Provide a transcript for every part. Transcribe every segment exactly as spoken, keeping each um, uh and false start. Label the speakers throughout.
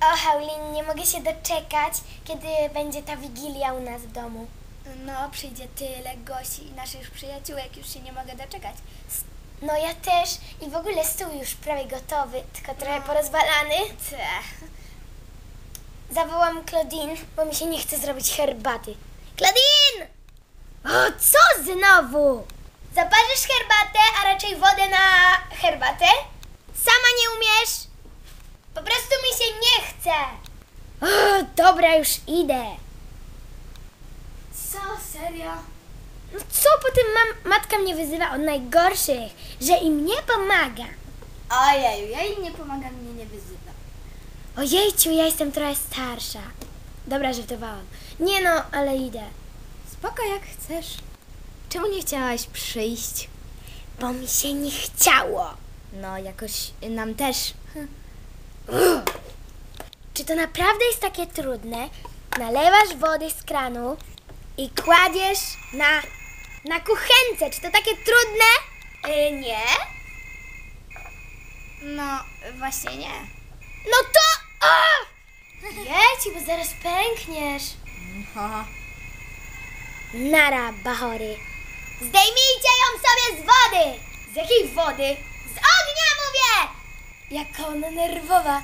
Speaker 1: O, Haulin, nie mogę się doczekać, kiedy będzie ta wigilia u nas w domu.
Speaker 2: No, przyjdzie tyle gości i naszych przyjaciółek, już się nie mogę doczekać.
Speaker 1: No ja też i w ogóle stół już prawie gotowy, tylko trochę
Speaker 2: No.
Speaker 1: porozwalany.
Speaker 2: Te.
Speaker 1: Zawołam Claudine, bo mi się nie chce zrobić herbaty. Claudine! O, co znowu? Zaparzysz herbatę, a raczej wodę na herbatę? Sama nie umiesz? Po prostu mi się nie chce. O, dobra, już idę.
Speaker 2: Co, serio?
Speaker 1: No co potem mam, matka mnie wyzywa od najgorszych, że im nie pomaga.
Speaker 2: Ojeju, ja jej nie pomagam, mnie nie wyzywa.
Speaker 1: Ojejciu, ja jestem trochę starsza. Dobra, żartowałam. Nie no, ale idę.
Speaker 2: Spoko, jak chcesz. Czemu nie chciałaś przyjść?
Speaker 1: Bo mi się nie chciało.
Speaker 2: No, jakoś nam też.
Speaker 1: Czy to naprawdę jest takie trudne? Nalewasz wody z kranu i kładziesz na, na kuchence. Czy to takie trudne?
Speaker 2: Yy, nie? No, właśnie nie.
Speaker 1: No to... O! Jedź, bo zaraz pękniesz.
Speaker 2: Aha.
Speaker 1: Nara, bachory. Zdejmijcie ją sobie z wody! Z jakiej wody? Z ognia mówię! Jaka ona nerwowa.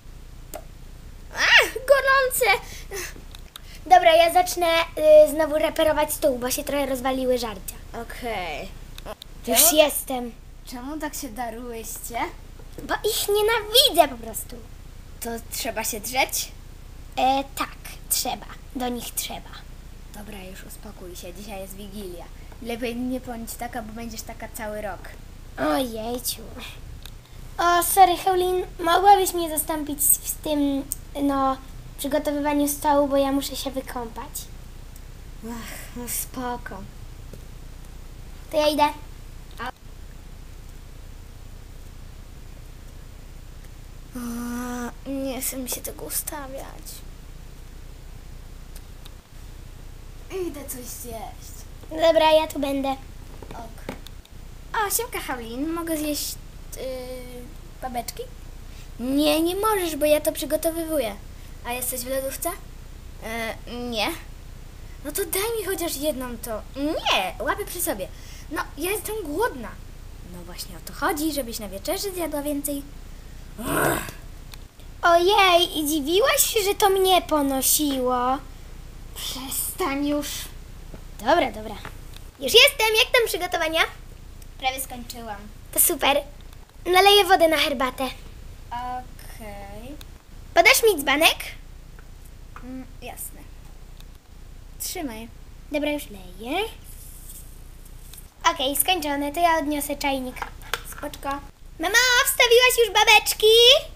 Speaker 2: Ach, gorące!
Speaker 1: Dobra, ja zacznę y, znowu reperować stół, bo się trochę rozwaliły żarcia.
Speaker 2: Okej.
Speaker 1: Już
Speaker 2: Czemu?
Speaker 1: jestem.
Speaker 2: Czemu tak się darłyście?
Speaker 1: Bo ich nienawidzę po prostu.
Speaker 2: To trzeba się drzeć?
Speaker 1: E, tak, trzeba. Do nich trzeba.
Speaker 2: Dobra, już uspokój się, dzisiaj jest Wigilia. Lepiej nie bądź taka, bo będziesz taka cały rok.
Speaker 1: Ojejciu. O, sorry, Haulin, mogłabyś mnie zastąpić w tym, no, przygotowywaniu stołu, bo ja muszę się wykąpać.
Speaker 2: Ach, no spoko.
Speaker 1: To ja idę.
Speaker 2: A, nie chcę mi się tego ustawiać. Idę coś zjeść.
Speaker 1: Dobra, ja tu będę.
Speaker 2: Ok. O, siemka Haulin, mogę zjeść yy, babeczki? Nie, nie możesz, bo ja to przygotowywuję. A jesteś w lodówce? Yy, nie. No to daj mi chociaż jedną to. Nie, łapy przy sobie. No, ja jestem głodna. No właśnie o to chodzi, żebyś na wieczerzy zjadła więcej. Ugh.
Speaker 1: Ojej, i dziwiłaś się, że to mnie ponosiło.
Speaker 2: Przestań już.
Speaker 1: Dobra, dobra. Już jestem, jak tam przygotowania?
Speaker 2: Prawie skończyłam.
Speaker 1: To super. Naleję wodę na herbatę.
Speaker 2: Okej.
Speaker 1: Podasz mi dzbanek?
Speaker 2: Mm, jasne. Trzymaj.
Speaker 1: Dobra, już leję. Okej, skończone, to ja odniosę czajnik.
Speaker 2: Spoczko.
Speaker 1: Mamo, wstawiłaś już babeczki?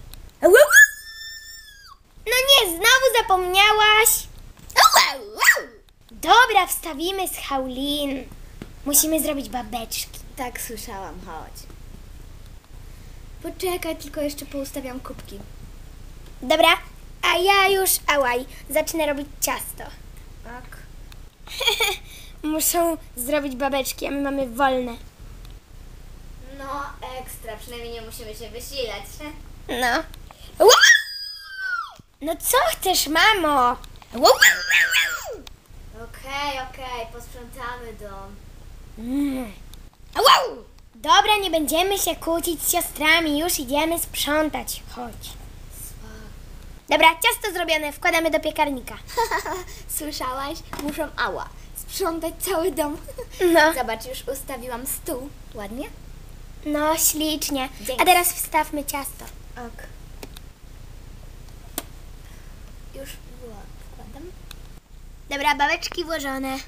Speaker 1: No nie, znowu zapomniałaś. Dobra, wstawimy z Haulin. Musimy zrobić babeczki.
Speaker 2: Tak słyszałam, chodź. Poczekaj, tylko jeszcze poustawiam kubki.
Speaker 1: Dobra, a ja już, ałaj, zacznę robić ciasto.
Speaker 2: Tak.
Speaker 1: Muszą zrobić babeczki, a my mamy wolne.
Speaker 2: No, ekstra, przynajmniej nie musimy się wysilać.
Speaker 1: No. No co chcesz, mamo?
Speaker 2: Okej, okej, posprzątamy dom.
Speaker 1: Mm. Dobra, nie będziemy się kłócić z siostrami, już idziemy sprzątać. Chodź. Dobra, ciasto zrobione, wkładamy do piekarnika.
Speaker 2: Słyszałaś? Muszą, ała, sprzątać cały dom.
Speaker 1: No,
Speaker 2: Zobacz, już ustawiłam stół. Ładnie?
Speaker 1: no ślicznie.
Speaker 2: Dzięki.
Speaker 1: A teraz wstawmy ciasto.
Speaker 2: Ok. Już wkładam.
Speaker 1: Dobra, babeczki włożone.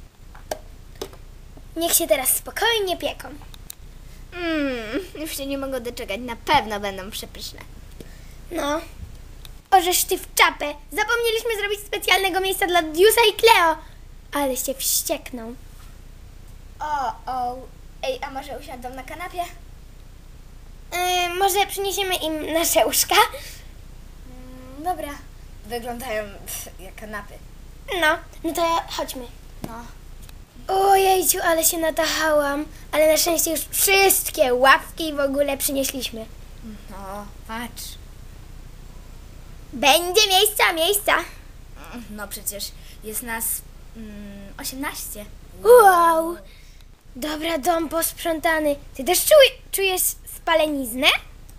Speaker 1: Niech się teraz spokojnie pieką.
Speaker 2: Mmm, już się nie mogę doczekać. Na pewno będą przepyszne.
Speaker 1: No. Ożeż ty w czapę. Zapomnieliśmy zrobić specjalnego miejsca dla Diusa i Cleo. Ale się wściekną.
Speaker 2: O, o. Ej, a może usiądą na kanapie?
Speaker 1: Yy, może przyniesiemy im nasze łóżka?
Speaker 2: Mm, dobra. Wyglądają pff, jak kanapy.
Speaker 1: No, no to chodźmy.
Speaker 2: No.
Speaker 1: Ojejciu, ale się natachałam. Ale na szczęście już wszystkie ławki w ogóle przynieśliśmy.
Speaker 2: No, patrz.
Speaker 1: Będzie miejsca, miejsca.
Speaker 2: No przecież jest nas mm, osiemnaście.
Speaker 1: Wow. Dobra, dom posprzątany. Ty też czuj, czujesz spaleniznę?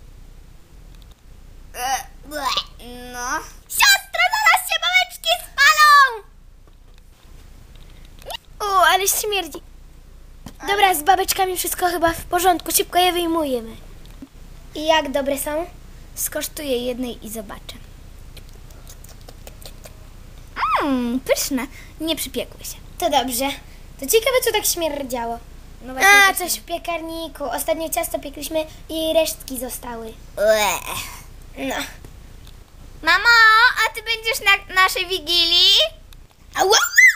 Speaker 2: E, no.
Speaker 1: Siostro, zaraz się babeczki spalą! O, ale śmierdzi. Dobra, z babeczkami wszystko chyba w porządku. Szybko je wyjmujemy. I jak dobre są?
Speaker 2: Skosztuję jednej i zobaczę. Mmm, pyszne. Nie przypiekły się.
Speaker 1: To dobrze. To ciekawe, co tak śmierdziało.
Speaker 2: No
Speaker 1: A,
Speaker 2: też
Speaker 1: coś w piekarniku. Ostatnio ciasto piekliśmy i resztki zostały.
Speaker 2: nie.
Speaker 1: No.
Speaker 2: Mamo, a ty będziesz na naszej wigilii?
Speaker 1: Ała!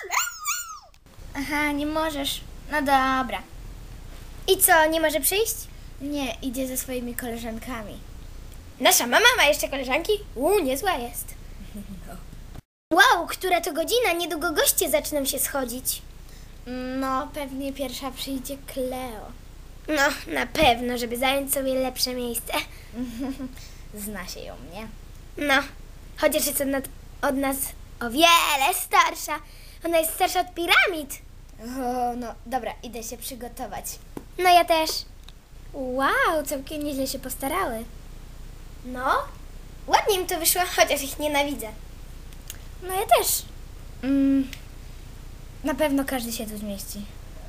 Speaker 2: Aha, nie możesz. No dobra.
Speaker 1: I co, nie może przyjść?
Speaker 2: Nie, idzie ze swoimi koleżankami.
Speaker 1: Nasza mama ma jeszcze koleżanki? Uuu, niezła jest. Wow, która to godzina? Niedługo goście zaczną się schodzić.
Speaker 2: No, pewnie pierwsza przyjdzie Kleo.
Speaker 1: No, na pewno, żeby zająć sobie lepsze miejsce.
Speaker 2: Zna się ją, nie?
Speaker 1: No, chociaż jest od, nad, od nas o wiele starsza. Ona jest starsza od piramid.
Speaker 2: O, no, dobra, idę się przygotować.
Speaker 1: No ja też.
Speaker 2: Wow, całkiem nieźle się postarały.
Speaker 1: No, ładnie im to wyszło, chociaż ich nienawidzę.
Speaker 2: No ja też. Mm, na pewno każdy się tu zmieści.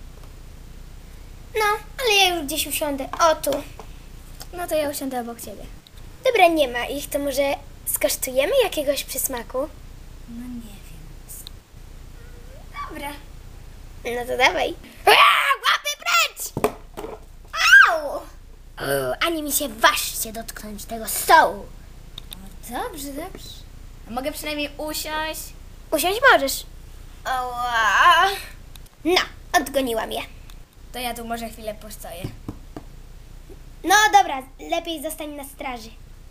Speaker 1: No, ale ja już gdzieś usiądę. O, tu.
Speaker 2: No to ja usiądę obok ciebie.
Speaker 1: Dobra, nie ma ich, to może skosztujemy jakiegoś przysmaku?
Speaker 2: No nie wiem. Dobra.
Speaker 1: No to dawaj. Aaa, łapy precz! Au! O, ani mi się ważcie dotknąć tego stołu.
Speaker 2: O, dobrze, dobrze. A mogę przynajmniej usiąść?
Speaker 1: Usiąść możesz. Ała. No, odgoniłam je.
Speaker 2: To ja tu może chwilę postoję.
Speaker 1: No dobra, lepiej zostań na straży.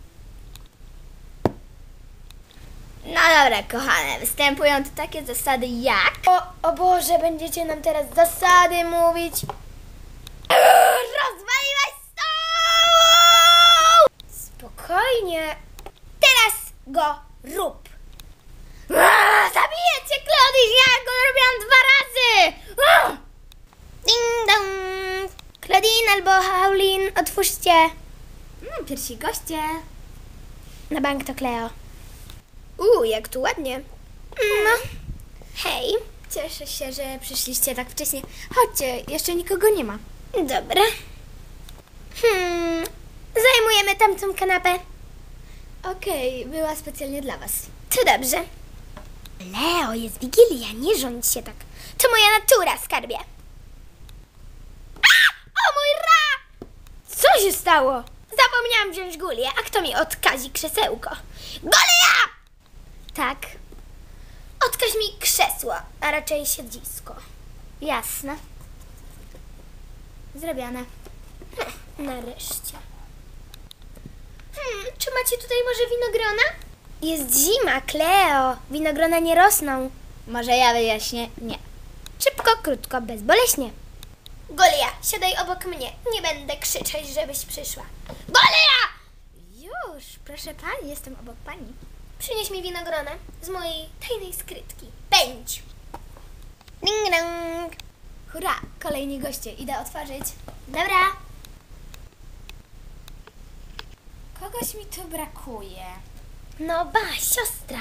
Speaker 2: No dobra, kochane, występują tu takie zasady jak...
Speaker 1: O, o Boże, będziecie nam teraz zasady mówić. Eee, rozwaliłaś stół! Spokojnie. Teraz go rób.
Speaker 2: Aaa, zabiję cię, Claudine! Ja go robiłam dwa razy! Aaa!
Speaker 1: Ding dong. Claudine albo Paulin, otwórzcie.
Speaker 2: Mm, pierwsi goście.
Speaker 1: Na bank to Cleo. Uuu, jak tu ładnie. No. Hej.
Speaker 2: Cieszę się, że przyszliście tak wcześnie. Chodźcie, jeszcze nikogo nie ma.
Speaker 1: Dobra. Hmm. Zajmujemy tamtą kanapę.
Speaker 2: Okej, była specjalnie dla was.
Speaker 1: To dobrze. Leo, jest Wigilia, nie rządź się tak. To moja natura, skarbie. A! O mój ra! Co się stało? Zapomniałam wziąć gulię, a kto mi odkazi krzesełko? Gulia!
Speaker 2: Tak,
Speaker 1: Odkaź mi krzesło, a raczej siedzisko.
Speaker 2: jasne. Zrobione.
Speaker 1: Nareszcie. Hmm, czy macie tutaj może winogrona? Jest zima, Cleo. Winogrona nie rosną.
Speaker 2: Może ja wyjaśnię? Nie.
Speaker 1: Szybko, krótko, bezboleśnie. Golia, siadaj obok mnie. Nie będę krzyczeć, żebyś przyszła. Golia!
Speaker 2: Już, proszę pani, jestem obok pani.
Speaker 1: Przynieś mi winogrona z mojej tajnej skrytki. Pędź! Ding dong.
Speaker 2: Hurra, kolejni goście, idę otworzyć.
Speaker 1: Dobra.
Speaker 2: Kogoś mi tu brakuje.
Speaker 1: No ba, siostra.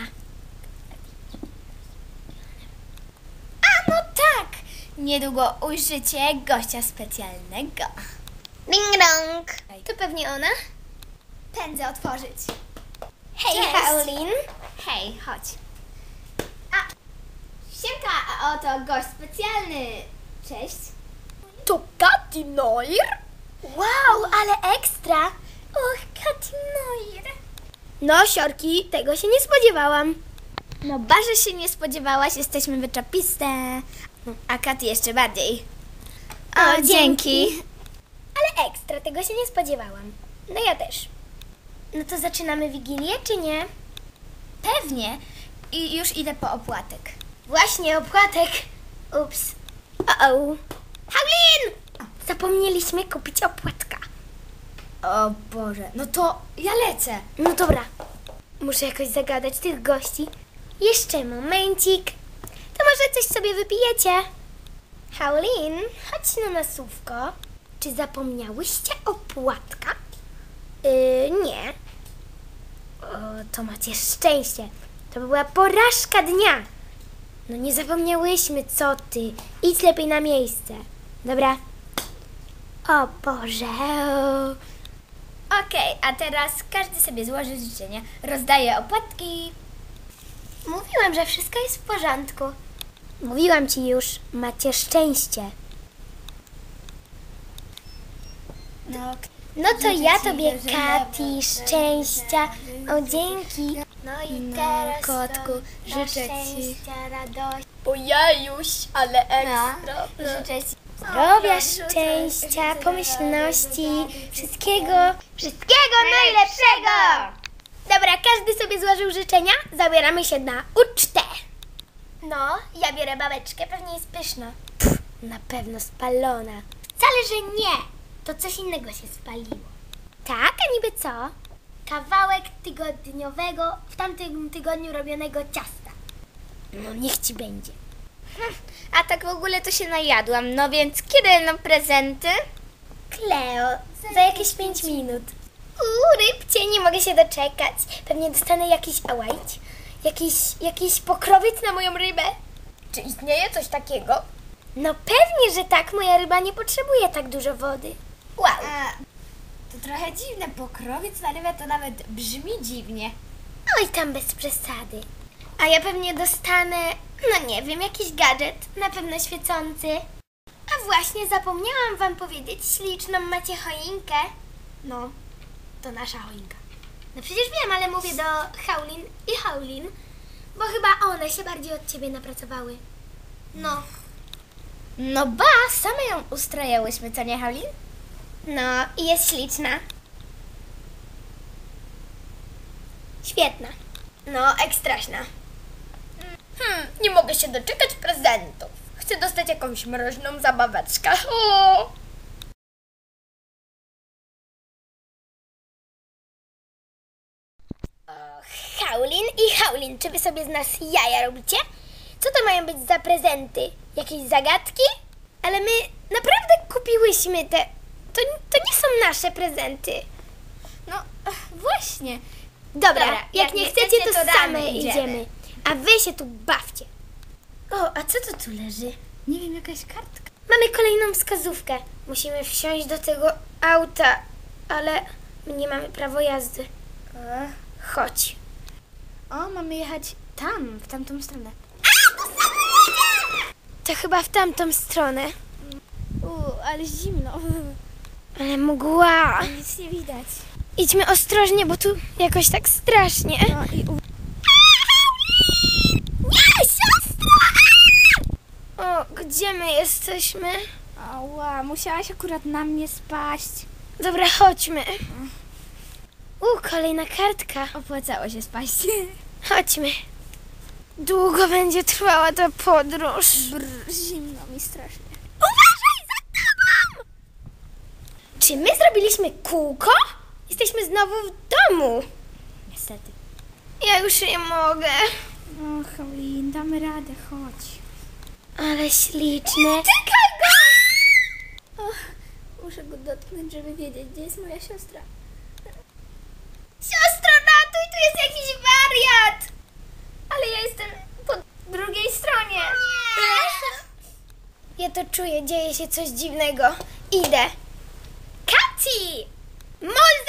Speaker 2: A no tak! Niedługo ujrzycie gościa specjalnego.
Speaker 1: Ding dong. To pewnie ona?
Speaker 2: Pędzę otworzyć.
Speaker 1: Hej,
Speaker 2: Cześć.
Speaker 1: Paulin.
Speaker 2: Hej, chodź. A, siemka, a oto gość specjalny. Cześć.
Speaker 1: To Katy Noir? Wow, ale ekstra.
Speaker 2: Och, Katinoir.
Speaker 1: No, siorki, tego się nie spodziewałam.
Speaker 2: No, bardzo się nie spodziewałaś, jesteśmy wyczapiste. A Katy jeszcze bardziej. O,
Speaker 1: O,
Speaker 2: dzięki.
Speaker 1: Ale ekstra, tego się nie spodziewałam. No ja też. No to zaczynamy Wigilię, czy nie?
Speaker 2: Pewnie. I już idę po opłatek.
Speaker 1: Właśnie, opłatek. Ups. O-o. Paulin! Zapomnieliśmy kupić opłatka.
Speaker 2: O Boże, no to ja lecę.
Speaker 1: No dobra. Muszę jakoś zagadać tych gości. Jeszcze momencik. To może coś sobie wypijecie? Haulin, chodź na nasówko. Czy zapomniałyście o płatkach? Yy, nie. O, to macie szczęście. To była porażka dnia. No nie zapomniałyśmy, co ty. Idź lepiej na miejsce. Dobra. O Boże.
Speaker 2: Okej, a teraz każdy sobie złoży życzenia. Rozdaję opłatki.
Speaker 1: Mówiłam, że wszystko jest w porządku. Mówiłam ci już, macie szczęście.
Speaker 2: No,
Speaker 1: No to
Speaker 2: Życzę
Speaker 1: ja
Speaker 2: ci
Speaker 1: tobie,
Speaker 2: dużo
Speaker 1: Kati,
Speaker 2: dobra,
Speaker 1: szczęścia.
Speaker 2: dobra,
Speaker 1: O, dzięki. No i
Speaker 2: No,
Speaker 1: teraz
Speaker 2: kotku,
Speaker 1: to
Speaker 2: życzę
Speaker 1: dla
Speaker 2: ci-
Speaker 1: szczęścia, radości.
Speaker 2: Ojejuś, ale
Speaker 1: ekstra.
Speaker 2: No, życzę ci
Speaker 1: Zdrowia, szczęścia, pomyślności, wszystkiego, wszystkiego najlepszego! Dobra, każdy sobie złożył życzenia, zabieramy się na ucztę. No, ja biorę babeczkę, pewnie jest pyszna. Pff, na pewno spalona. Wcale, że nie, to coś innego się spaliło. Tak, a niby co? Kawałek tygodniowego, w tamtym tygodniu robionego ciasta. No niech ci będzie.
Speaker 2: A tak w ogóle to się najadłam, no więc kiedy będą prezenty?
Speaker 1: Kleo, za jakieś pięć minut. Uuu, rybcie, nie mogę się doczekać. Pewnie dostanę jakiś ałajć, jakiś, jakiś pokrowiec na moją rybę.
Speaker 2: Czy istnieje coś takiego?
Speaker 1: No pewnie, że tak. Moja ryba nie potrzebuje tak dużo wody. Wow.
Speaker 2: A, to trochę dziwne, pokrowiec na rybę to nawet brzmi dziwnie.
Speaker 1: Oj, tam bez przesady. A ja pewnie dostanę, no nie wiem, jakiś gadżet, na pewno świecący. A właśnie, zapomniałam wam powiedzieć, śliczną macie choinkę. No, to nasza choinka. No przecież wiem, ale mówię do Haulin i Haulin, bo chyba one się bardziej od ciebie napracowały. No.
Speaker 2: No ba, same ją ustrojałyśmy, co nie, Haulin?
Speaker 1: No, i jest śliczna. Świetna. No, ekstraśna.
Speaker 2: Hmm, nie mogę się doczekać prezentów. Chcę dostać jakąś mroźną zabaweczkę. O!
Speaker 1: Haulin i Haulin, czy wy sobie z nas jaja robicie? Co to mają być za prezenty? Jakieś zagadki? Ale my naprawdę kupiłyśmy te... To, to nie są nasze prezenty.
Speaker 2: No, ach, właśnie.
Speaker 1: Dobra,
Speaker 2: Dobra,
Speaker 1: jak, nie chcecie, to,
Speaker 2: to
Speaker 1: same
Speaker 2: ramy
Speaker 1: idziemy.
Speaker 2: idziemy.
Speaker 1: A wy się tu bawcie. O, a co to tu leży?
Speaker 2: Nie wiem, jakaś kartka.
Speaker 1: Mamy kolejną wskazówkę. Musimy wsiąść do tego auta, ale my nie mamy prawa jazdy.
Speaker 2: E,
Speaker 1: Chodź.
Speaker 2: O, mamy jechać tam, w tamtą stronę.
Speaker 1: To chyba w tamtą stronę.
Speaker 2: U, ale zimno.
Speaker 1: Ale mgła.
Speaker 2: Nic nie widać.
Speaker 1: Idźmy ostrożnie, bo tu jakoś tak strasznie.
Speaker 2: No i u...
Speaker 1: Nie, siostra! O, gdzie my jesteśmy?
Speaker 2: Ała, musiałaś akurat na mnie spaść.
Speaker 1: Dobra, chodźmy. U, kolejna kartka.
Speaker 2: Opłacało się spaść.
Speaker 1: Chodźmy. Długo będzie trwała ta podróż.
Speaker 2: Brr, zimno mi strasznie.
Speaker 1: Uważaj za tobą! Czy my zrobiliśmy kółko? Jesteśmy znowu w domu.
Speaker 2: Niestety.
Speaker 1: Ja już nie mogę.
Speaker 2: O, Haulin, damy radę, chodź.
Speaker 1: Ale śliczny.
Speaker 2: Czekaj go! Och, muszę go dotknąć, żeby wiedzieć, gdzie jest moja siostra.
Speaker 1: Siostro, ratuj, tu jest jakiś wariat. Ale ja jestem po drugiej stronie. Ja to czuję, dzieje się coś dziwnego. Idę. Kati! Mol